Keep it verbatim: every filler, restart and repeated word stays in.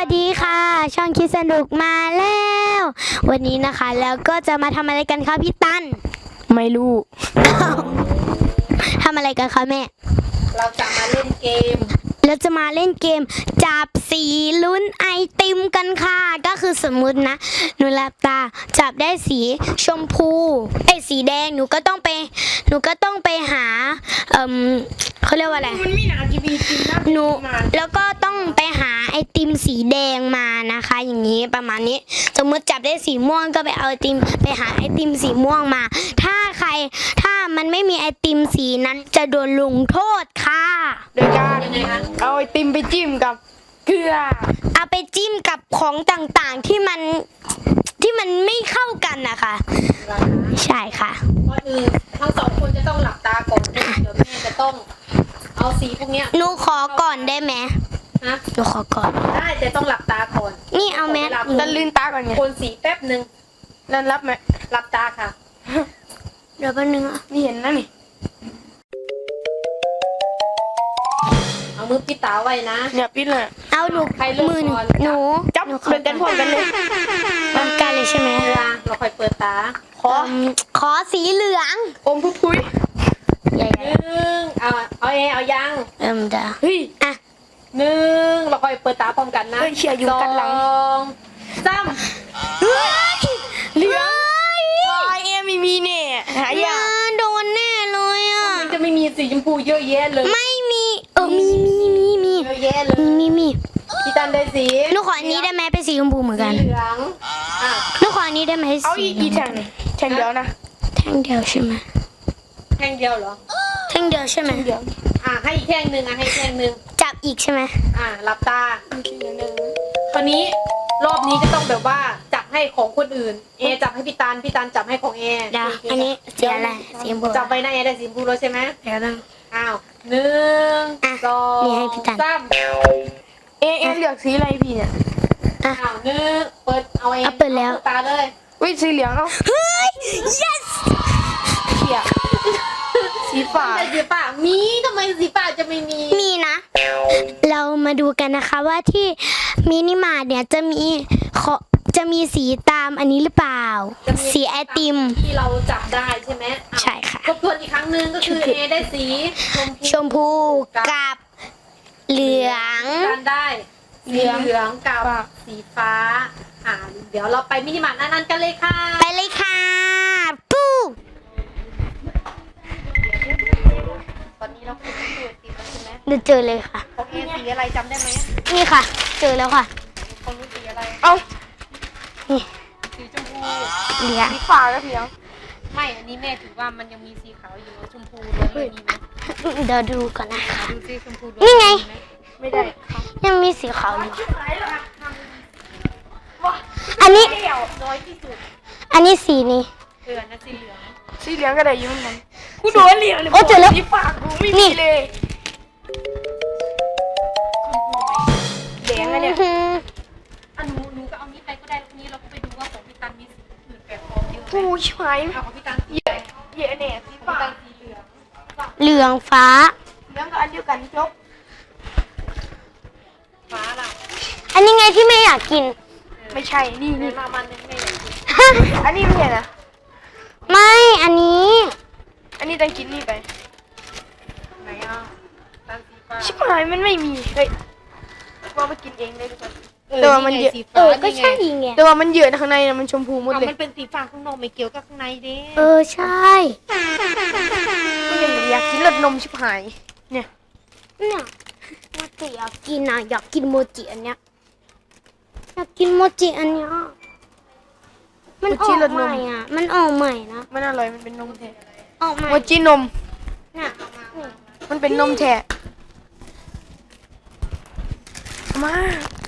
ดีค่ะช่องคิดสนุกมาแล้ววันนี้นะคะแล้วก็จะมาทำอะไรกันคะพี่ตั้นไม่รู้ทำอะไรกันคะแม่เราจะมาเล่นเกมเราจะมาเล่นเกมจับสีลุ้นไอติมกันค่ะก็คือสมมุตินะหนูหลับตาจับได้สีชมพูไอ้สีแดงหนูก็ต้องไปหนูก็ต้องไปหาเอ่มเขาเรียกว่าอะไรมันมีหนาจีบีจริงนะหนูแล้วก็ต้องไปหาไอติมสีแดงมานะคะอย่างนี้ประมาณนี้สมมติจับได้สีม่วงก็ไปเอาไอติมไปหาไอติมสีม่วงมาถ้าใครถ้ามันไม่มีไอติมสีนั้นจะโดนลงโทษค่ะโดยการเอาไอติมไปจิ้มกับเกลือเอาไปจิ้มกับของต่างๆที่มันที่มันไม่เข้ากันนะคะใช่ค่ะก่อนอื่นทั้งสองคนจะต้องหลับตาก่อนเดี๋ยวแม่จะต้องเอาสีพวกเนี้ยหนูขอก่อนได้ไหมฮะหนูขอก่อนได้แต่ต้องหลับตาก่อนนี่เอาแมสจะลืมตาก่อนไงคนสีแป๊บหนึ่งแล้วรับไหมหลับตาค่ะเดี๋ยวแป๊บนึงอ่ะนี่เห็นนะนี่เอามือปิดตาไว้นะเนี่ยปิดเลยเอาหนูมือหนูจับเดินกันพร้อมกันเลยพร้อมกันเลยใช่ไหมเราค่อยเปิดตาขอขอสีเหลืองอมพุ้พุ้ยหนึ่งเอาเอาเอเอายังเอิ่มเด้อเฮ้ยอ่ะหนึ่งเราค่อยเปิดตาพร้อมกันนะเชียร์อยู่กันหลังสองสามเฮ้ยเหลืองวายเอ็มมีเนี่ยหายาโดนแน่เลยอ่ะมันจะไม่มีสีชมพูเยอะแยะเลยไม่มีเออมีมีมีมีเยอะแยะเลยมีมีพี่ตันได้สีหนูขออันนี้ได้ไหมเป็นสีชมพูเหมือนกันเหลืองอ่ะหนูขออันนี้ได้ไหมเอาอีกอีแท่งแท่งเดียวนะแท่งเดียวใช่ไหมแท่งเดียวเหรอแท่งเดียวใช่ไหมเดียวอ่ะให้อีกแท่งหนึ่งอ่ะให้แท่งหนึ่งจับอีกใช่ไหมอ่ะหลับตาคราวนี้รอบนี้ก็ต้องแบบว่าจับให้ของคนอื่นเอจับให้พี่ตันพี่ตันจับให้ของเอเดี๋ยวอันนี้สีอะไรสีชมพูจับไปนะเอได้สีชมพูแล้วใช่ไหมเดี๋ยวนะอ้าวหนึ่งสองสามเอเอเลือกสีอะไรพี่เนี่ยอ้าวหนึ่งเปิดเอาเองเปิดแล้วตาเลยวิสีเหลืองเอาเฮ้ย yes เขียสีฟ้าสีฟ้ามีทำไมสีฟ้าจะไม่มีมีนะเรามาดูกันนะคะว่าที่มินิมาร์ทเนี่ยจะมีจะมีสีตามอันนี้หรือเปล่าสีไอติมที่เราจับได้ใช่ไหมใช่ค่ะทบทวนอีกครั้งหนึ่งก็คือเอได้สีชมพูกับเหลืองกันได้สีเหลืองกับสีฟ้าอ่าเดี๋ยวเราไปมินิมาร์ทนั้นกันเลยค่ะไปเลยค่ะปู้ตอนนี้เราคือเจอสีแล้วใช่ไหมเดี๋ยวเจอเลยค่ะของเอสีอะไรจำได้ไหมนี่ค่ะเจอแล้วค่ะของนู้นสีอะไรเอ้านี่สีชมพูเหลืองสีฟ้าก็เหลืองไม่อันนี้แม่ถือว่ามันยังมีสีขาวอยู่ชมพูด้วยมีไหมเดี๋ยวดูก่อนนะคะดูสีชมพูนี่ไงไม่ได้ยังมีสีขาวอยู่อันนี้น้อยที่สุดอันนี้สีนี้เออนะสีเหลืองสีเหลืองก็ได้ยุ่งมันกูโดนเหลืองเลยโอ้เจอแล้วสีฟ้ากูไม่มีเลยแดงอะเนี่ยอันนู้นหนูก็เอานี้ไปก็ได้แล้วนี้เราก็ไปดูว่าของพี่ตันมีสีอื่นแปลกปลอมเยอะไหมกูใช่เอาของพี่ตันเยอะเยอะเนี่ยสีฟ้าสีเหลืองเหลืองฟ้าเหลืองก็อันเดียวกันจบฟ้าล่ะอันนี้ไงที่ไม่อยากกินไม่ใช่นี่นี่มามันนึงไม่อยากกินอันนี้ไม่ใช่นะไม่อันนี้อันนี้ต้องกินนี่ไปไหนอ่ะตันสีฟ้าชิบหายมันไม่มีเฮ้ยว่าไปกินเองได้ทุกคนแต่ว่ามันเยอะเออก็ใช่ไงแต่ว่ามันเยอะข้างในนะมันชมพูหมดเลยมันเป็นสีฟ้าข้างนอกไม่เกี่ยวกับข้างในเด้เออใช่ก็ยังอยากกินรสนมชิบหายเนี่ยเนี่ยโมจิอยากกินอ่ะอยากกินโมจิอันเนี้ยอยากกินโมจิอันเนี้ยมันออกใหม่อ่ะมันออกใหม่นะมันอร่อยมันเป็นนมแท้ออกใหม่โมจินมเนี่ยมันเป็นนมแท้มา